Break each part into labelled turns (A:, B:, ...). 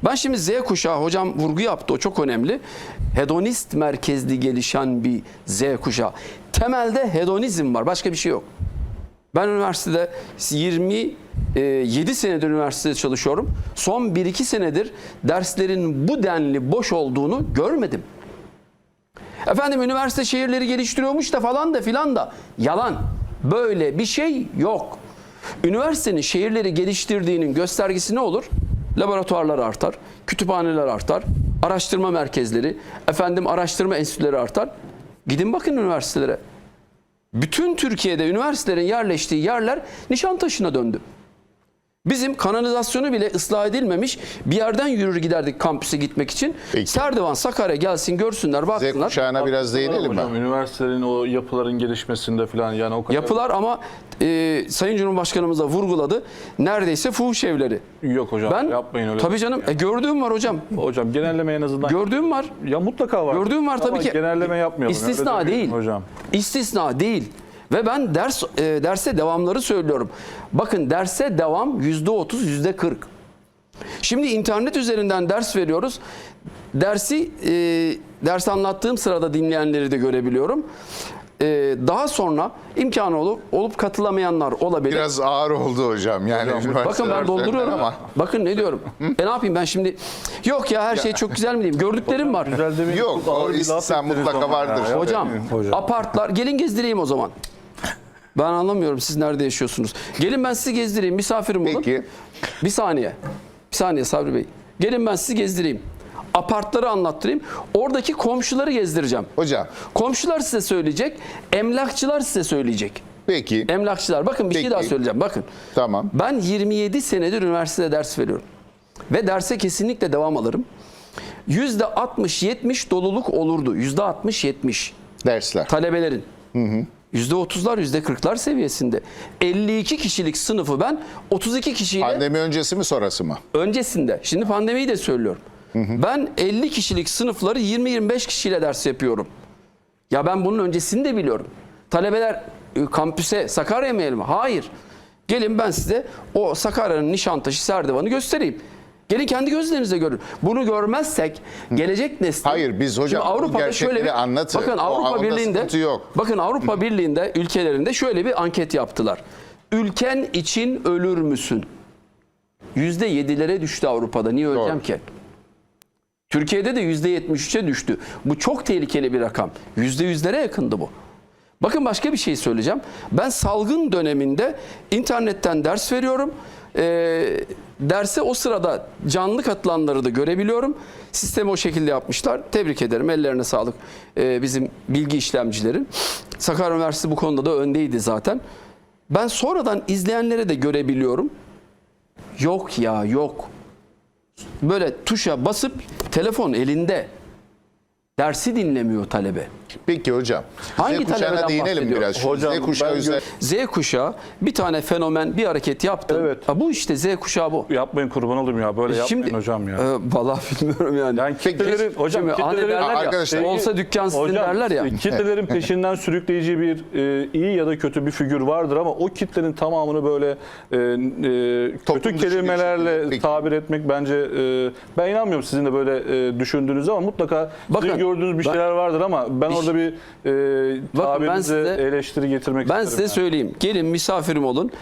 A: Ben şimdi Z kuşağı, hocam vurgu yaptı, o çok önemli. Hedonist merkezli gelişen bir Z kuşağı. Temelde hedonizm var, başka bir şey yok. Ben üniversitede 27 senedir üniversitede çalışıyorum. Son 1-2 senedir derslerin bu denli boş olduğunu görmedim. Efendim üniversite şehirleri geliştiriyormuş da falan da filan da. Yalan. Böyle bir şey yok. Üniversitenin şehirleri geliştirdiğinin göstergesi ne olur? Laboratuvarlar artar, kütüphaneler artar, araştırma merkezleri, araştırma enstitüleri artar. Gidin bakın üniversitelere. Bütün Türkiye'de üniversitelerin yerleştiği yerler Nişantaşı'na döndü. Bizim kanalizasyonu bile ıslah edilmemiş bir yerden yürür giderdik kampüse gitmek için.
B: Peki.
A: Serdivan, Sakarya gelsin görsünler, baksınlar.
B: Z kuşağına biraz değinelim mi?
C: Hocam, üniversitelerin o yapıların gelişmesinde falan yani o kadar...
A: Yapılar ama Sayın Cumhurbaşkanımız da vurguladı. Neredeyse fuhuş evleri.
C: Yok hocam, yapmayın öyle.
A: Tabii canım. Gördüğüm var hocam.
C: Hocam genelleme en azından...
A: Gördüğüm var.
C: Ya mutlaka var.
A: Gördüğüm var tabii
C: ama
A: ki.
C: genelleme yapmayalım.
A: İstisna
C: Öyle
A: değil.
C: hocam.
A: İstisna değil. Ve ben derse devamları söylüyorum. Bakın derse devam %30, %40. Şimdi internet üzerinden ders veriyoruz. Ders anlattığım sırada dinleyenleri de görebiliyorum. Daha sonra imkanı olup katılamayanlar olabilir.
B: Biraz ağır oldu hocam. Yani
A: Bakın ben dolduruyorum.
B: ama.
A: Bakın ne diyorum. Ne yapayım ben şimdi? Yok ya her şey çok güzel mi diyeyim? Gördüklerim var.
C: Güzel demeyin,
B: Yok,
C: çok ağır
B: o
C: bir laf
B: istisna
C: ettiniz
B: mutlaka
C: ama
B: vardır.
C: ya.
A: Hocam, apartlar, gelin gezdireyim o zaman. Ben anlamıyorum siz nerede yaşıyorsunuz. Gelin ben sizi gezdireyim, misafirim olun.
B: Peki.
A: Bir saniye Sabri Bey. Gelin ben sizi gezdireyim. Apartları anlattırayım. Oradaki komşuları gezdireceğim.
B: Hocam.
A: Komşular size söyleyecek, emlakçılar size söyleyecek.
B: Peki.
A: Emlakçılar, bakın bir şey
B: Peki.
A: daha söyleyeceğim, bakın.
B: Tamam.
A: Ben 27 senedir üniversitede ders veriyorum. Ve derse kesinlikle devam alırım. %60-70 doluluk olurdu. %60-70
B: Dersler.
A: talebelerin. %30'lar, %40'lar seviyesinde. 52 kişilik sınıfı ben 32 kişiyle
B: Pandemi öncesi mi sonrası mı?
A: öncesinde. Şimdi pandemiyi de söylüyorum. Ben 50 kişilik sınıfları 20-25 kişiyle ders yapıyorum. Ya ben bunun öncesini de biliyorum. Talebeler kampüse Sakarya mı mi? Hayır. Gelin ben size o Sakarya'nın Nişantaşı, Serdivan'ı göstereyim. Gelin kendi gözlerinizle görün. Bunu görmezsek gelecek nesil...
B: Hayır, biz hocam
A: Şimdi Avrupa'da
B: gerçekleri
A: şöyle bir,
B: anlatın.
A: bakın
B: O
A: Avrupa
B: onda
A: Birliği'nde
B: sıkıntı yok.
A: bakın Avrupa Birliği'nde ülkelerinde şöyle bir anket yaptılar. Ülken için ölür müsün? %7'lere düştü Avrupa'da. Niye öleceğim
B: Doğru.
A: ki? Türkiye'de de %73'e düştü. Bu çok tehlikeli bir rakam. %100'lere yakındı bu. Bakın başka bir şey söyleyeceğim. Ben salgın döneminde internetten ders veriyorum. Derse o sırada canlı katılanları da görebiliyorum. Sistemi o şekilde yapmışlar. Tebrik ederim. Ellerine sağlık bizim bilgi işlemcilerin. Sakarya Üniversitesi bu konuda da öndeydi zaten. Ben sonradan izleyenleri de görebiliyorum. Yok ya yok. Böyle tuşa basıp telefon elinde. Dersi dinlemiyor talebe.
B: Peki hocam.
A: Hangi
B: Z kuşağına
A: talebeden
B: değinelim
A: bahsediyoruz?
B: biraz. Şu
C: Hocam,
B: Z kuşağı
C: ben
B: üzerine.
A: Z kuşağı bir tane fenomen bir hareket yaptı.
C: Evet.
A: Ha, bu işte Z kuşağı bu.
C: Yapmayın kurban olayım ya. Böyle yapmayın hocam ya.
A: Vallahi bilmiyorum yani.
C: Yani kitlelerin, hocam
A: Şimdi hani
C: kitlelerin,
A: derler ya,
B: Arkadaşlar,
A: olsa dükkan sizin
C: hocam,
A: derler ya.
C: kitlelerin peşinden sürükleyici bir iyi ya da kötü bir figür vardır ama o kitlenin tamamını böyle
B: Toplum
C: kötü
B: dışı bir
C: kelimelerle
B: şekilde. Peki.
C: tabir etmek bence ben inanmıyorum sizin de böyle düşündüğünüz ama mutlaka
A: Bakın,
C: sizin gördüğünüz bir şeyler vardır ama ben orada bir tabirinize eleştiri getirmek
A: Ben
C: isterim.
A: size
C: yani.
A: söyleyeyim. Gelin misafirim olun.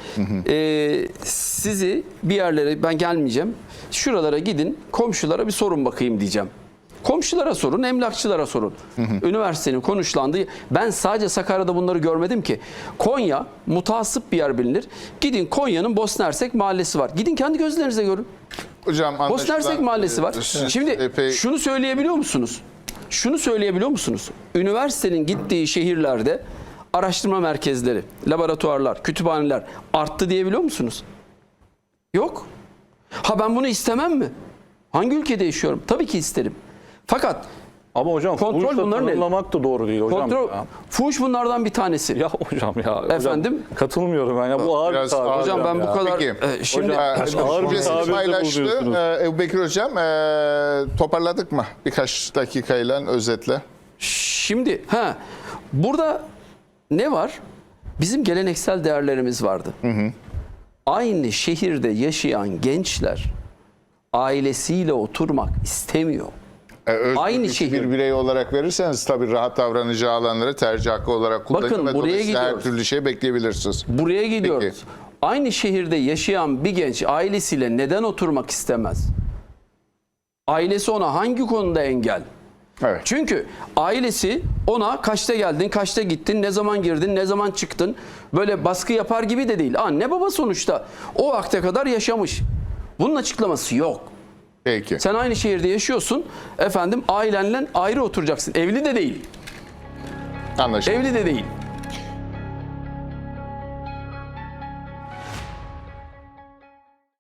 A: Sizi bir yerlere ben gelmeyeceğim. Şuralara gidin. Komşulara bir sorun bakayım diyeceğim. Komşulara sorun, emlakçılara sorun. Üniversitenin konuşlandığı. Ben sadece Sakarya'da bunları görmedim ki. Konya mutasip bir yer bilinir. Gidin Konya'nın Bosna Hersek mahallesi var. Gidin kendi gözlerinize görün.
B: Hocam
A: Bosna Hersek mahallesi var. Şimdi
B: epey...
A: şunu söyleyebiliyor musunuz? Şunu söyleyebiliyor musunuz? Üniversitenin gittiği şehirlerde araştırma merkezleri, laboratuvarlar, kütüphaneler arttı diyebiliyor musunuz? Yok. Ha ben bunu istemem mi? Hangi ülkede yaşıyorum? Tabii ki isterim. Fakat
C: Ama hocam
A: kontrol
C: fuhuşla
A: bunların
C: tanımlamak da doğru değil hocam.
A: fuhuş bunlardan bir tanesi.
C: Ya hocam ya.
A: Efendim?
C: Hocam, katılmıyorum ben ya. Bu ağır bir
B: Biraz
C: tabir.
B: ağır
A: Hocam ben
B: ya.
A: bu kadar
B: Peki.
A: şimdi
C: Hocam, ağır bir
B: Düşüncesini
C: tabirde
B: paylaştı.
C: bulunuyorsunuz.
B: Ebubekir hocam toparladık mı? Birkaç dakikayla özetle.
A: şimdi burada ne var? Bizim geleneksel değerlerimiz vardı. Aynı şehirde yaşayan gençler ailesiyle oturmak istemiyor. Aynı
B: Aynı
A: şehir.
B: bir birey olarak verirseniz tabii rahat davranacağı alanları tercih hakkı olarak kullanın
A: Bakın,
B: ve
A: buraya
B: dolayısıyla her
A: gidiyoruz.
B: türlü şey bekleyebilirsiniz.
A: Buraya gidiyoruz.
B: Peki.
A: Aynı şehirde yaşayan bir genç ailesiyle neden oturmak istemez? Ailesi ona hangi konuda engel?
B: Evet.
A: Çünkü ailesi ona kaçta geldin, kaçta gittin, ne zaman girdin, ne zaman çıktın, böyle baskı yapar gibi de değil. Anne baba sonuçta o vakte kadar yaşamış. Bunun açıklaması yok.
B: Peki.
A: Sen aynı şehirde yaşıyorsun, efendim ailenle ayrı oturacaksın. Evli de değil.
B: Anlaşıldı.
A: Evli de değil.